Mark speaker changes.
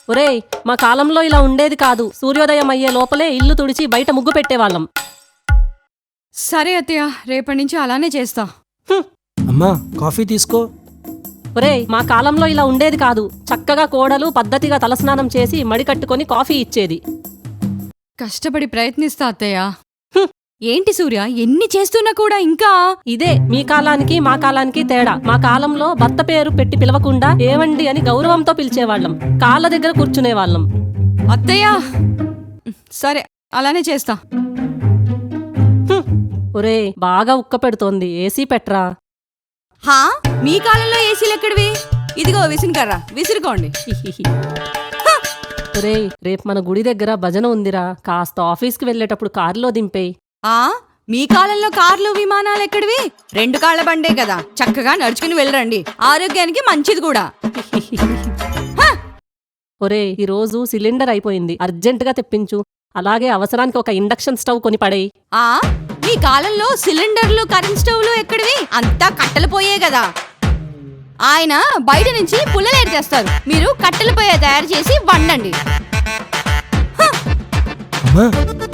Speaker 1: ఒరేయ్, మా కాలంలో ఇలా ఉండేది కాదు. సూర్యోదయం అయ్యే లోపలే ఇల్లు తుడిచి బయట ముగ్గు పెట్టేవాళ్ళం.
Speaker 2: సరే అత్తయ్య, రేపటి నుంచి అలానే చేస్తా.
Speaker 3: అమ్మా కాఫీ తీసుకో.
Speaker 1: ఒరేయ్, మా కాలంలో ఇలా ఉండేది కాదు. చక్కగా కోడలు పద్ధతిగా తలస్నానం చేసి మడి కట్టుకొని కాఫీ ఇచ్చేది.
Speaker 2: కష్టపడి ప్రయత్నిస్తా అత్తయ్య. ఏంటి సూర్య, ఎన్ని చేస్తున్నా కూడా ఇంకా
Speaker 1: ఇదే మీ కాలానికి మా కాలానికి తేడా. మా కాలంలో భర్త పేరు పెట్టి పిలవకుండా ఏవండి అని గౌరవంతో పిలిచేవాళ్ళం. కాళ్ళ దగ్గర కూర్చునేవాళ్ళం.
Speaker 2: అత్తయ్య సరే అలానే చేస్తా.
Speaker 1: ఒరేయ్, బాగా ఉక్క పెడుతోంది, ఏసీ పెట్రా.
Speaker 2: హా, మీ కాలంలో ఏసీలు ఎక్కడివి? ఇదిగో విసురుకర్రా, విసురుకోండి.
Speaker 1: ఒరేయ్, రేపు మన గుడి దగ్గర భజన ఉందిరా. కాస్త ఆఫీస్కి వెళ్ళేటప్పుడు కారులో దింపేయ్.
Speaker 2: ఆ మీ కాలంలో కార్లు విమానాలు ఎక్కడివి? 2 కాళ్ల బండే కదా, చక్కగా నడుచుకుని వెళ్ళరండి, ఆరోగ్యానికి మంచిది కూడా.
Speaker 1: ఒరేయ్, ఈరోజు సిలిండర్ అయిపోయింది, అర్జెంటుగా తెప్పించు. అలాగే అవసరానికి ఒక ఇండక్షన్ స్టవ్ కొని పడేయ్.
Speaker 2: ఆ మీ కాలంలో సిలిండర్లు కరెంట్ స్టవ్లు ఎక్కడివి? అంతా కట్టెలు పోయే కదా. ఆయన బయట నుంచి పుల్లలేరు చేస్తారు, మీరు కట్టెలు పోయే తయారు చేసి వండండి.
Speaker 3: అమ్మా